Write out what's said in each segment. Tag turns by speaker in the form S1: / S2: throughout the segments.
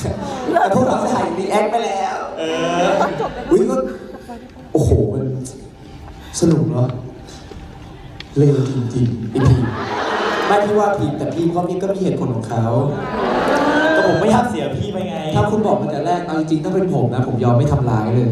S1: แต่พวกเราถ่ายรีแอคไปแล้วอุ้ยก็โอ้โหมันสนุกเนาะเร็วจริงๆไอพีไม่พี่ว่าพีแต่พีเขามีก็มีเหตุผลของเขา
S2: ก็ผมไม่อยากเสียพี่ไปไง
S1: ถ้าคุณบอกมาแต่แรกเอาจริงๆถ้าเป็นผมนะผมยอมไม่ทำร้ายเลย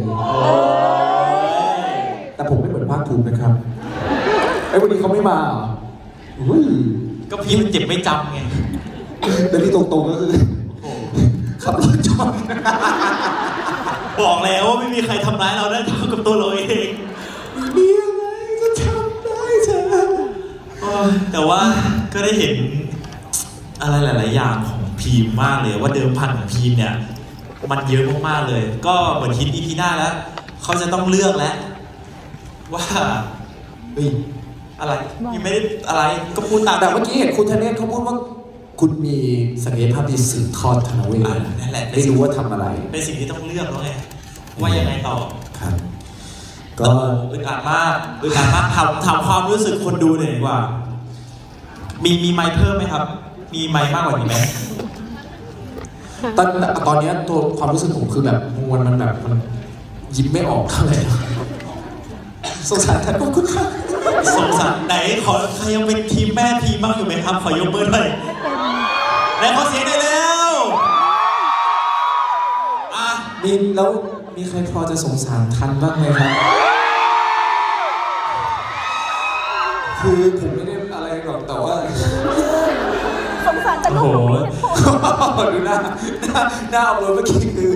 S1: แต่ผมไม่เหมือนภาคภูมินะครับไอ้วันนี้เขาไม่มาอุ้ย
S2: ก็พี่มันเจ็บไม่จำไง
S1: แล้วที่ตรงๆก็คือขับรถชน
S2: บอกแล้วว่าไม่มีใครทำร้ายเราได้เท่ากับตัวเราเอง
S1: มีอะไรจะทำได้เธอ
S2: แต่ว่าก็ได้เห็นอะไรหลายๆอย่างของพีมมากเลยว่าเดิมพันของพีมเนี่ยมันเยอะมากๆเลยก็เหมือนคิดอีพีหน้าแล้วเขาจะต้องเลือกแล้วว่าอะไรยังไม่ได้อะไรก็พูดตาม
S1: แต่เมื่อกี้เห็นคุณธเนศเขาพูดว่าคุณมีศักยภาพที่สืบทอดธนเวท
S2: นั่นแหละ
S1: ไม่รู้ว่าทำอะไร
S2: เป็นสิ่งที่ต้องเลือกแล้วไงว่ายังไงต่อ
S1: ครับ
S2: ก็อึดอัดมากถามความรู้สึกคนดูหน่อยดีกว่ามีไมค์เพิ่มไหมครับมีไมค์มากกว่านี้ไหม
S1: ตอนนี้ตัวความรู้สึกผมคือแบบมวลมันแบบมันยิ้มไม่ออกเท่าไหร่สงสารท่านขอบคุณครับ
S2: สงสารไหนขอใครยังเป็นทีมแม่ทีมบ้างอยู่ไหมครับขอยกมือหน่อยและขอเสียงได้แล้ว
S1: แล้วมีใครพอจะสงสารทันบ้างไหมครับคือผมไม่ได้อะไรหรอกแต่ว่า
S3: สงสารแต่ลูก
S1: ดูหน้าเอาเลยเมื่อกี้คือ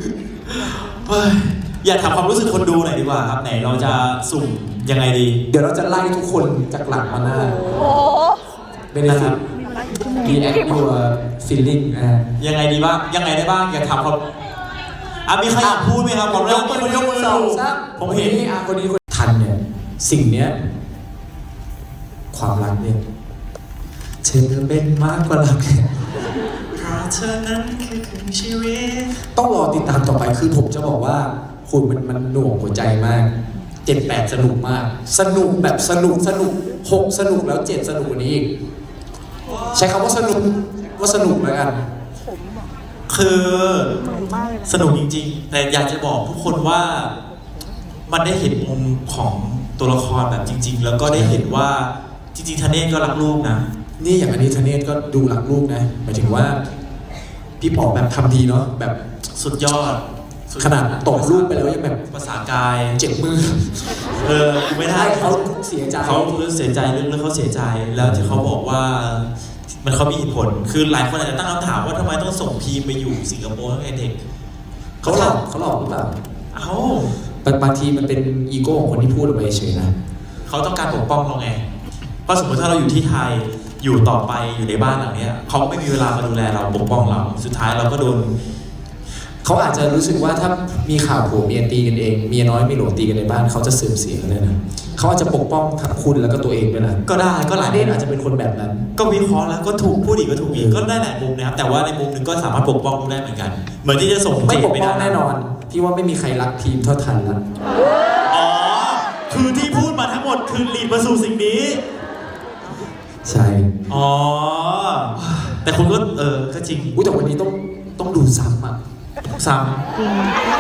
S2: อยากถามความรู้สึกคนดูหน่อยดีกว่าครับไหนเราจะสุ่มยังไงดี
S1: เดี๋ยวเราจะไล่ทุกคนจากหลังมาหน้าไม่ได้ครับ react your feeling
S2: ยังไงดีบ้างยังไงได้บ้างอยากถามความมีใครอยากพูดไหมครับผมเริ่มมีคนยกมือ
S1: ผมเห็นคนนี้คนทันเนี่ยสิ่งเนี้ยความรักเนี่ยเธอเป็นมากกว่ารัก
S2: เพราะเธอนั้นคือครึ่งชีวิต
S1: ต้องรอติดตามต่อไปคือผมจะบอกว่าคุณมันหน่วงหัวใจมาก7-8สนุกมากสนุกแบบสนุก6สนุกแล้ว7สนุกกว่านี้อีกใช้คำว่าสนุกแล้วกัน
S2: คือสนุกจริงๆแต่อยากจะบอกทุกคนว่ามันได้เห็นมุมของตัวละครแบบจริงๆแล้วก็ได้เห็นว่าจริงๆธเนศก็รักลูกนะ
S1: นี่อย่างอันนี้ธเนศก็ดูรักลูกนะหมายถึงว่าพี่ป๋อแบบทำดีเนาะแบบ
S2: สุดยอด
S1: ขนาดตกลูกไปแล้วยังแบบ
S2: ภาษากาย
S1: เจ็บมือ
S2: ไม่ได้
S1: เขาเสียใจ
S2: เขาเสียใจเรื่องเขาเสียใจแล้วที่เขาบอกว่ามันเขามีเหตุผลคือหลายคนอาจจะตั้งคำถามว่าทำไมต้องส่งพีมไปอยู่สิงคโปร์ตั้งแต่เด็ก
S1: เขาหลอกหรือเปล่าบางทีมันเป็นอีโก้ของคนที่พูดออกไปเฉยนะ
S2: เขาต้องการปกป้องเราไงเพราะสมมติถ้าเราอยู่ที่ไทยอยู่ต่อไปอยู่ในบ้านหลังนี้เขาไม่มีเวลามาดูแลเราปกป้องเราสุดท้ายเราก็โดน
S1: เขาอาจจะรู้สึกว่าถ้ามีข่าวผัวเมียตีกันเองเมียน้อยเมียหลวงตีกันในบ้านเขาจะเสื่อมเสียกันเลยนะเขาอาจจะปกป้องทั้งคุณแล้วก็ตัวเองด้วยนะ
S2: ก็ได้ก็หลาย
S1: เด่นอาจจะเป็นคนแบบนั้น
S2: ก็วิเคราะห์แล้วก็ถูกพูดอีกก็ถูกอีกก็ได้หลายมุมนะครับแต่ว่าในมุมหนึ่งก็สามารถปกป้องได้เหมือนกันเหมือนที่จะส่ง
S1: ไม่ปกป้องแน่นอนพี่ว่าไม่มีใครรักทีมเท่าทันแล้ว
S2: อ๋อคือที่พูดมาทั้งหมดคือลีดมาสู่สิ่งนี้
S1: ใช่
S2: อ๋อแต่คุณก็ก็จริง
S1: แต่วันนี้ต้องดูซ้ำอ่ะ
S2: ซ้ำ
S3: จริง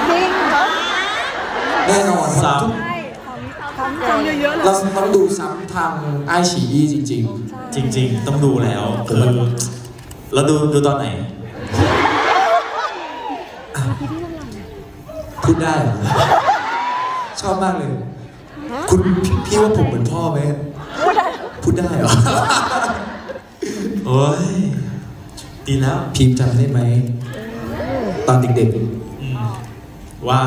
S1: แน่นอน
S2: ซ้ำ
S1: เราต้องดูซ้ำทางไอฉีอีจริง
S2: ๆต้องดูแล้วคือแล้วดูตอนไหน
S1: พูดได้เหรอชอบมากเลยคุณพี่ว่าผมเหมือนพ่อไหมพูดได้เหรอ
S2: โอ้ยดีแล้ว
S1: พิมพ์จำได้ไหมตอนเด็ก
S2: ๆว่า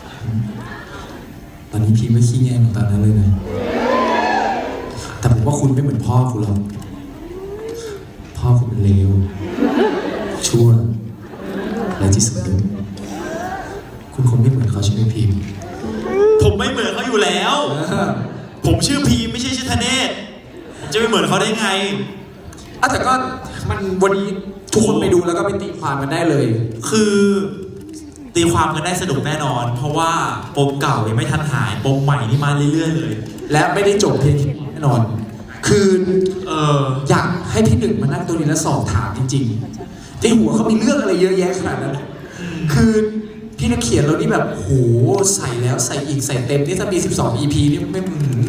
S1: ตอนนี้พิมพ์ไม่ขี้แงเหมือนตอนนั้นเลยนะแต่ผมว่าคุณไม่เหมือนพ่อคุณหรอกพ่อคุณเป็นเลวชั่วและที่สุดคุณคงไม่เหมือนเขาใช่ไหมพิมพ์
S2: ผมไม่เหมือนเขาอยู่แล้วผมชื่อพีมไม่ใช่ชื่อธเนศจะไม่เหมือนเขาได้ไง
S1: แต่ก็มันวันนี้ทุกคนไปดูแล้วก็ไปตีความกันได้เลย
S2: คือตีความกันได้สนุกแน่นอนเพราะว่าปมเก่ายังไม่ทันหายปมใหม่นี่มาเรื่อยๆเลย
S1: และไม่ได้จบเพียงแน่นอนคืออยากให้พี่หนึ่งมานั่งตัวนี้แล้วสอบถามจริงๆในหัวเขามีเรื่องอะไรเยอะแยะขนาดนั้น คือพี่นักเขียนเรานี่แบบโหใส่แล้วใส่อีกใส่เต็มนี่ถ้ามี12 EP นี่ไม่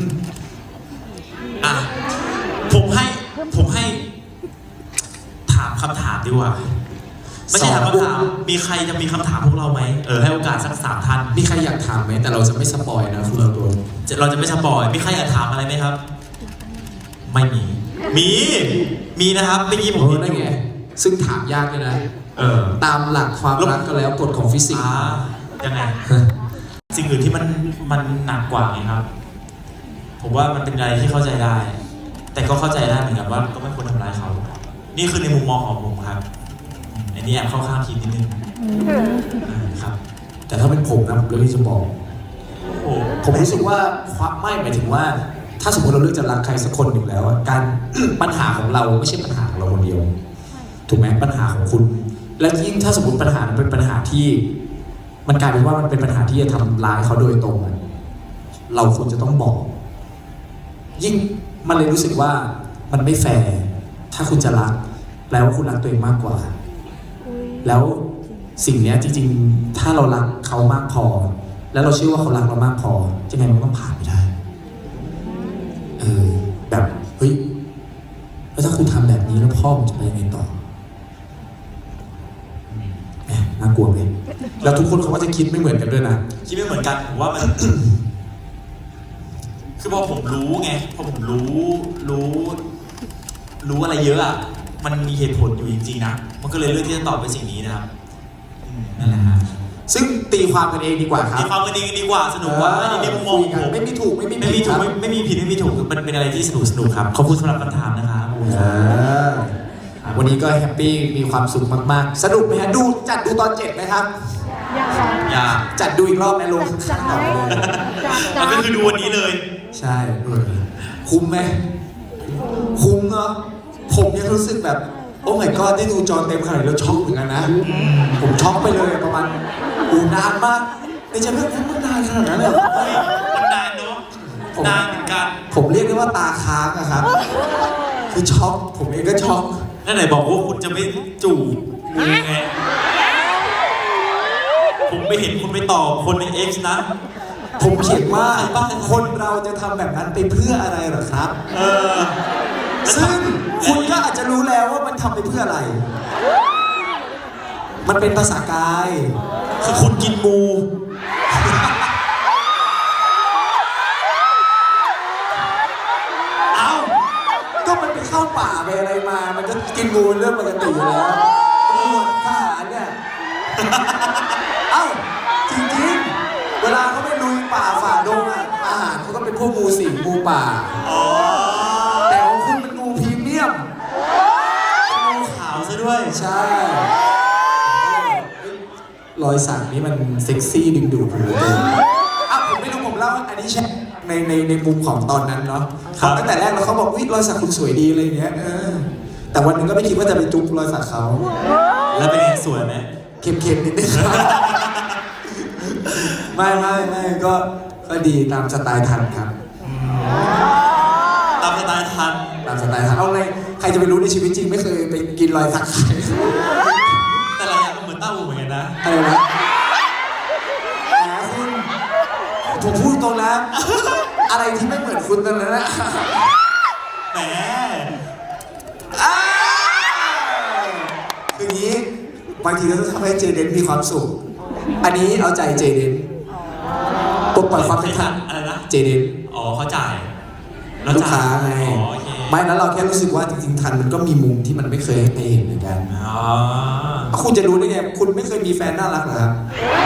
S2: อ่ะผมให้ถามคำถามดีกว่าไม่ใช่ถามคำถามมีใครจะมีคำถามพวกเราไหมให้โอกาสสัก3 ท่าน
S1: มีใครอยากถามไหมแต่เราจะไม่สปอยนะคุณเราตัว
S2: เราจะไม่สปอยมีใครอยากถามอะไรไหมครับไม่มีนะครับเมื่อกี้ผมเห็นอยู่
S1: ซึ่งถามยากเลยนะตามหลักความรักก็แล้วกฎของฟิสิกส์
S2: ยังไงสิ่งอื่นที่มันหนักกว่าไงครับผมว่ามันเป็นอะไรที่เข้าใจได้แต่ก็เข้าใจได้เหมือนกันว่าก็ไม่ควรทำร้ายเขานี่คือในมุมมองของผมครับอันนี้แอบเข้าข้างทีมนิดนึงครับ
S1: แต่ถ้าเป็นผมนะผมเลยจะบอกผมรู้สึกว่าความไม่หมายถึงว่าถ้าสมมติเราเลือกจะรักใครสักคนหนึ่งแล้วการ ปัญหาของเราไม่ใช่ปัญหาของเราคนเดียวถูกไหมปัญหาของคุณและยิ่งถ้าสมมติปัญหาเป็นปัญหาที่มันกลายเป็นว่ามันเป็นปัญหาที่จะทำร้ายเขาโดยตรงเราควรจะต้องบอกยิ่งมันเลยรู้สึกว่ามันไม่แฟร์ถ้าคุณจะรักแปลว่าคุณรักตัวเองมากกว่าแล้วสิ่งนี้จริงๆถ้าเรารักเขามากพอแล้วเราเชื่อว่าเขารักเรามากพอจะไงมันต้องผ่านไปได้แบบเฮ้ยแล้วถ้าคุณทำแบบนี้แล้วพ่อมันจะไปยังไงต่อน่ากลัวเลยแล้วทุกคนเขาก็จะคิดไม่เหมือนกันด้วยนะ
S2: คิดไม่เหมือนกันผมว่ามัน คือพอผมรู้ไงพอผมรู้อะไรเยอะอ่ะมันมีเหตุผลอยู่จริงๆนะมันก็เลยเลือกที่จะตอบไปสิ่งนี้นะครับนั่นแหละฮะ
S1: ซึ่งตีความกันเองดีกว่าครับ
S2: ตีความกันเองดีกว่าสนุกกว่าอันนี้ในมุมมองผม
S1: ไม่มีถูกไม่มีผิด
S2: ไม่มีผิดไม่มีถูกมันเป็นอะไรที่สนุกครับขอบคุณสำหรับคำถามนะครับ
S1: วันนี้ก็แฮปปี้มีความสุขมากๆสนุกไหมฮะจัดดูตอน7ไหมครับ
S2: อย่า
S1: จัดดูอีกรอบไหมลุง
S2: มันก็คือดูวันนี้เลย
S1: ใช่คุ้มไหมคุ้มเนาะผมยังรู้สึกแบบโอ้ my god ได้ดูจอเต็มขนาดนี้แล้วช็อกเหมือนกันนะผมช็อกไปเลยประมาณนานมากในใจไม่คุ้มนานขนาดนั้นเลย
S2: มันนานเนาะนานเหมือนกัน
S1: ผมเรียกได้ว่าตาค้างอะครับคือช็อกผมเองก็ช็อก
S2: นั่นไหนบอกว่าคุณจะไม่จูบมึงไงผมไม่เห็นคุณไปตอบคนใน X นะ
S1: ผมเขียนว่าคนเราจะทำแบบนั้นไปเพื่ออะไรหรอครับซึ่งคุณก็อาจจะรู้แล้วว่ามันทำไปเพื่ออะไรมันเป็นภาษากาย
S2: คือคุณกินงู
S1: ก็มันไปเข้าป่าไปอะไรมามันก็กินงูเรื่องปกติอยู่แล้วทหารเนี่ยจริงๆเวลาเขาไปลุยป่าฝ่าดงอาหารเขาก็เป็นพวกงูสิงงูป่าแต่ของคุณเป็นงูพรีเมียม
S2: งูขาวซะด้วย
S1: ใช่รอยสักนี้มันเซ็กซี่ดึงดูดผมเลยผมไม่รู้ผมเล่าอันนี้แช่ในมุมของตอนนั้นเนาะตั้งแต่แรกแล้วเขาบอกวิรอยสักคุณสวยดีอะไรเงี้ยแต่วันนึงก็ไม่คิดว่าจะไปจุ๊บรอยสักเขา
S2: แล้วเป็นไงสวยไหม
S1: เค็มๆนิดนึงไม่ก็ดีตามสไตล์ทันครับ
S2: ตามสไตล์ทัน
S1: เอาไงใครจะไปรู้ในชีวิตจริงไม่เคยไปกินรอยสักใคร
S2: แต่ละอย่างก็เหมือนเต้าหู้เหมือนกันนะ
S1: อะไรนะคุณผมพูดตรงนะอะไรที่ไม่เหมือนคุณตอนนั้นนะ
S2: แหม
S1: คืออย่างนี้บางทีเราต้องทำให้เจเดนมีความสุขอันนี้เอาใจเจเดนปลดปล่อยความเป็นทัน
S2: อะไรนะ
S1: เจเดน
S2: เขาจ่าย
S1: ลูกค้าไงไม่แล้วเราแค่รู้สึกว่าจริงๆทันมันก็มีมุมที่มันไม่เคยให้เห็นเหมือนกันคุณจะรู้ได้ไงคุณไม่เคยมีแฟนน่ารักเหรอครับ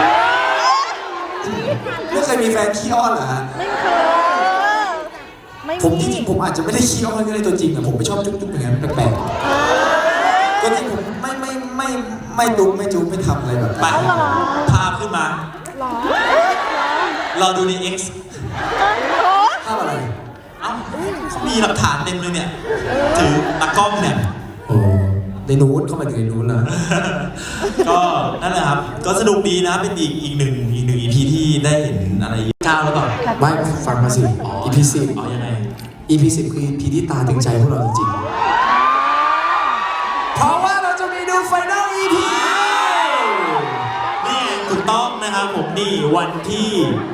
S1: ไม่เคยมีแฟนขี้อ้อนเหรอฮะผมจริงๆผมอาจจะไม่ได้ขี้อ้อนก็ได้ตัวจริงแต่ผมไม่ชอบจุ๊บๆอย่างนั้นแปลกๆก็จริงผมไม่ดุ๊บไม่จุ๊บไม่ทำอะไรแบบ
S2: ไปภาพขึ้นมาเราดูใน X
S1: ภาพอะไร
S2: เขามีหลักฐานเต็มเลยเนี่ยถือตากล้องเนี่ย
S1: ในนู้นเข้ามาถึงในนู้นเลย
S2: ก็นั่นแหละครับก็สนุกดีนะเป็นอีกหนึ่ง EP ที่ได้เห็นอะไรก้าวแล้วก่อน
S1: ไม่ฟังมาสิ EP 10
S2: ยังไง
S1: EP 10คือ EP ที่ตาถึงใจพวกเราจริงๆเพราะว่าเราจะมีดูไฟนอล
S2: ต้องนะครับผมนี่วันที่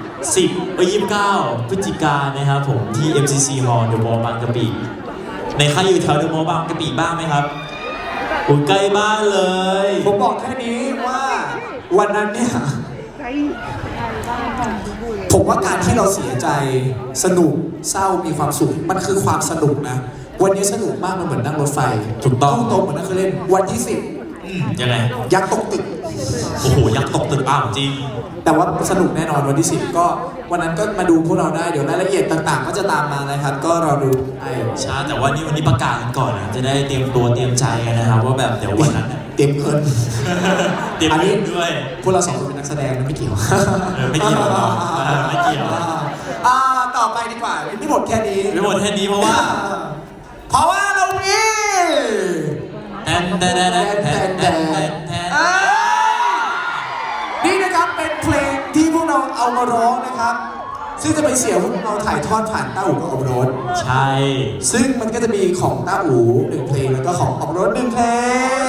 S2: 29 พฤศจิกายนนะครับผมที่ MCC Hall เดอะมอลล์บางกะปิในใครอยู่แถวเดอะมอลล์บางกะปิบ้างไหมครับโอ้ยใกล้บ้านเลย
S1: ผมบอกแค่นี้ว่าวันนั้นเนี่ยผมว่าการที่เราเสียใจสนุกเศร้ามีความสุขมันคือความสนุกนะวันนี้สนุกมากมันเหมือนนั่งรถไฟ
S2: ถูกต้อง
S1: ตรงเหมือนนั่งเครื่องเล่นวันที่
S2: ยังไง
S1: 10ยักษ์ตกตึก
S2: โอ้โหยักษ์ตกตึกอ้าวจริง
S1: แต่ว่าสนุกแน่นอนวันที่10ก็วันนั้นก็มาดูพวกเราได้เดี๋ยวรายละเอียดต่างๆ ก็จะตามมานะครับก็รอดูไอ้
S2: ช้าแต่ว่าวันนี้ประกาศกันก่อนนะจะได้เตรียมตัวเตรียมใจกันนะครับว่าแบบเดี๋ยววันนั้น
S1: เตรียมเงิน
S2: เตรียม
S1: อัน
S2: เงิ
S1: นี้
S2: นด้วย
S1: พวกเราสองคนเป็นนักแสดงนะไม่เกี่ยว
S2: ไม่เกี่ยวหรอกไม่เกี่ยว
S1: ต่อไปดีกว่าไม่หมดแค่นี้
S2: ไม่หมดแค่นี้เพราะว่า
S1: เรามี
S2: แทนแทนแทนแทนแทนแทน
S1: นี่นะครับเป็นเพลงที่พวกเราเอามาร้องนะครับ ซึ่งจะเป็นเสียงที่เราถ่ายทอดผ่านต้าอู่กับอมรส
S2: ใช่
S1: ซึ่งมันก็จะมีของต้าอู่1เพลงแล้วก็ของอมรส1เพลง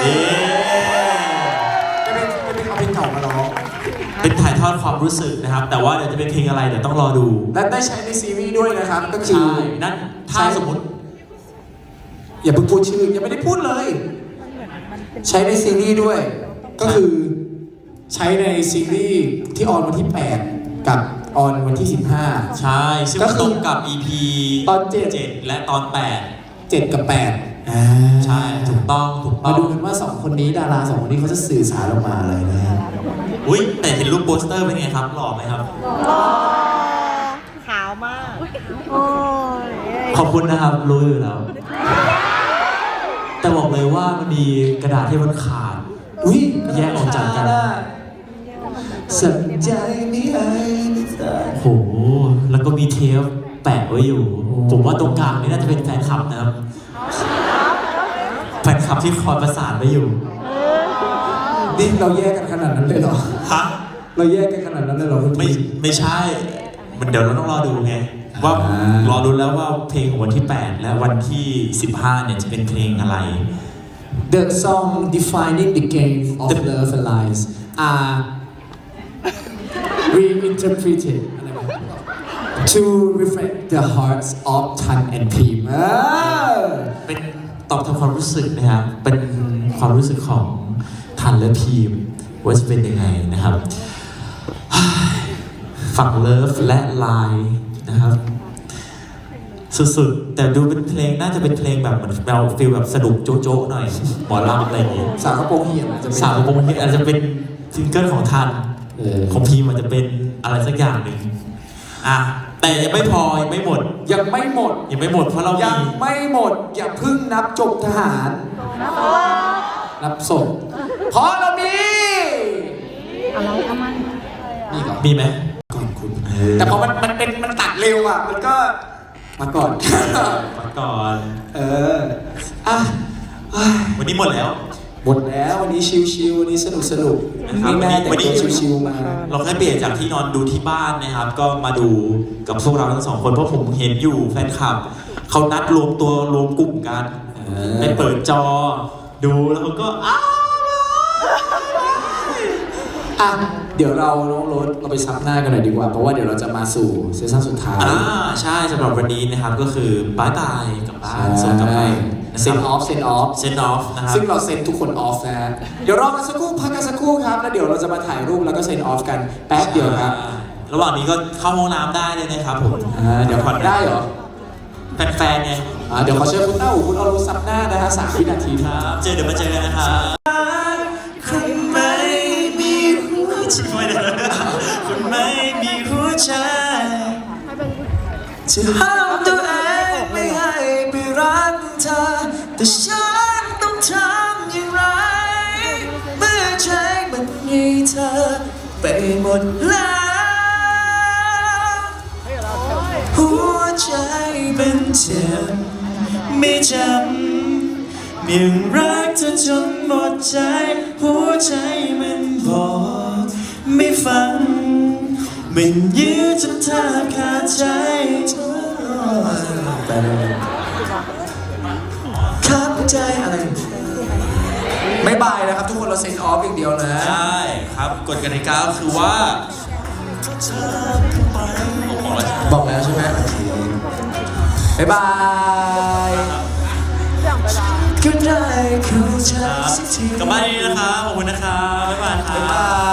S1: เป็นเอาเพลงเก่ามาร้อง
S2: เป็นถ่ายทอดความรู้สึกนะครับ แต่ว่าเดี๋ยวจะเป็นเพลงอะไรเดี๋ยวต้องรอดู
S1: และได้ใช้ในซีรีส์ด้วยนะครับก็คือ
S2: ใช่นั่นถ้าสมมติ
S1: อย่าเพิ่งพูดชื่อยังไม่ได้พูดเลย ใช้ในซีรีส์ด้วย ก็คือใช้ในซีรีส์ที่ออนวันที่ 8 กับออนวันที่ 15
S2: ใช่ซึ่ง
S1: ก็คือ
S2: ตรงกับ EP
S1: ตอน
S2: 7และตอน
S1: 7 กับ 8
S2: ใช่ถูกต้อง
S1: มาดูกันว่า 2 คนนี้ดารา 2 คนนี้เขาจะสื่อสารออกมาอะไรนะฮะ
S2: อุ้ยแต่เห็นรูปโปสเตอร์เป็นไงครับหล่อไหมครับ
S3: ขาวมาก โอ้ย
S2: ขอบคุณนะครับรู้อยู่แล้ว แต่บอกเลยว่ามันมีกระดาษที่มันขาด
S1: อุ้ย
S2: แยกออกจากกัน
S1: สนใจไม่ไอ้
S2: โหแล้วก็มีเทปแปะไว้อยู่ ผมว่าตรงกลางนี่น่าจะเป็นแฟนคลับนะครับแฟนคลับที่คอยประสานไว้อยู่
S1: นี่เราแยกกันขนาดนั้นเลยเหรอ
S2: ฮะ
S1: เราแยกกันขนาดนั้นเลยเหรอ
S2: ไม่ใช่มันเดี๋ยวเราต้องรอดูไงว่ารอดูแล้วว่าเพลงของวันที่ 8 และวันที่ 15 เนี่ยจะเป็นเพลงอะไร
S1: The song defining the game of love and lies are reinterpreted to reflect the hearts of Tan and Pim
S2: เป็นตอบทางความรู้สึกนะครับ เป็นความรู้สึกของทันและพีมว่าจะเป็นยังไงนะครับฝั่งเลิฟและไลน์นะครับสุดๆแต่ดูเป็นเพลงน่าจะเป็นเพลงแบบเหมือนเราฟีลแบบสนุกโจ๊ะๆหน่อยหมอลำอะไรอย่างงี้
S1: สาวกระโปรงเหี่ยมอาจจะ
S2: สาวกระโปรงนี่อาจจะเป็นซิงเกิลของทันของพีมอาจจะเป็นอะไรสักอย่างหนึ่งแต่ยังไม่พอยังไม่หมด
S1: ยังไม่หมด
S2: ยังไม่หมดเพราะเรา
S1: ยั
S2: มี
S1: งไม่หมดอย่าเพึ่งนับจบทหาร นับศพเพราะเรามี
S3: อะไรทำไม
S1: นี่ก่อน
S2: มีไหม
S1: ก่อนคุณ แต่พอมันตัดเร็วอ่ะมันก็มาก่อน
S2: มาก่อน
S1: อ่ะ
S2: วันนี้หมดแล้ว
S1: หมดแล้ววันนี้ชิวๆวันนี้สนุก
S2: นะครับ
S1: แม่แต่ง
S2: วันนี้
S1: ตัวชิวๆมา
S2: เราแค่เปลี่ยนจากที่นอนดูที่บ้านนะครับ ก็มาดูกับพวกเราทั้งสองคนเพราะผมเห็นอยู่แฟนคลับเขานัดรวมตัวรวมกลุ่มกันไปเปิดจอดูแล้วเขาก็
S1: อ่ะเดี๋ยวเราน้องรถเราไปซับหน้ากันหน่อยดีกว่าเพราะว่าเดี๋ยวเราจะมาสู่เซสชั่นสุดท้าย
S2: ใช่สำหรับวันนี้นะครับก็คือบายบายกับบ้านส่งกลับไป
S1: เซนออฟ
S2: เซนออฟนะครับ
S1: ซึ่งเราเซ็นทุกคนออฟนะเดี๋ยวรอกันสักครู่พักกันสักครู่ครับแล้วเดี๋ยวเราจะมาถ่ายรูปแล้วก็เซ็นออฟกันแป๊บเดียวครับ
S2: ระหว่างนี้ก็เข้าห้องน้ำได้เลยนะครับผม
S1: เดี๋ยวผ่อนได้เหรอ
S2: แฟนๆไง
S1: เดี๋ยวขอเชิญคุณเต้าหูคุณเอารูซับหน้านะฮะ3 วินาที
S2: ครับเดี๋ยวมาเจอกันนะครับคุณไม่มีหัวใจคุณไม่มีหัวใจจะห้ามตัวเองไม่ให้ไปรักเธอแต่ฉันต้องทำอย่างไรเมื่อใจมันมีเธอไปหมดแล้วหัวใจเป็นเจ็บไม่จำยังรักเธอจนหมดใจหัวใจมันบอกไม่ฟังมันยื้อจนแทบขาดใจ
S1: ครับใจอะไรไม่บายนะครับทุกคนเราเซ็นออฟอย่างเดียวนะ
S2: ใช่ครับกฎกติกาคือว่าบอกแล้วใช่ไหม
S1: บอกแล้วใช่ไหมโอเคบ๊ายบายก็ได้เข้าใจ
S2: ครับ
S1: สักที
S2: กลับบ้านนี้นะครับขอบคุณนะครับบ๊ายบายครับ
S1: บ๊ายบาย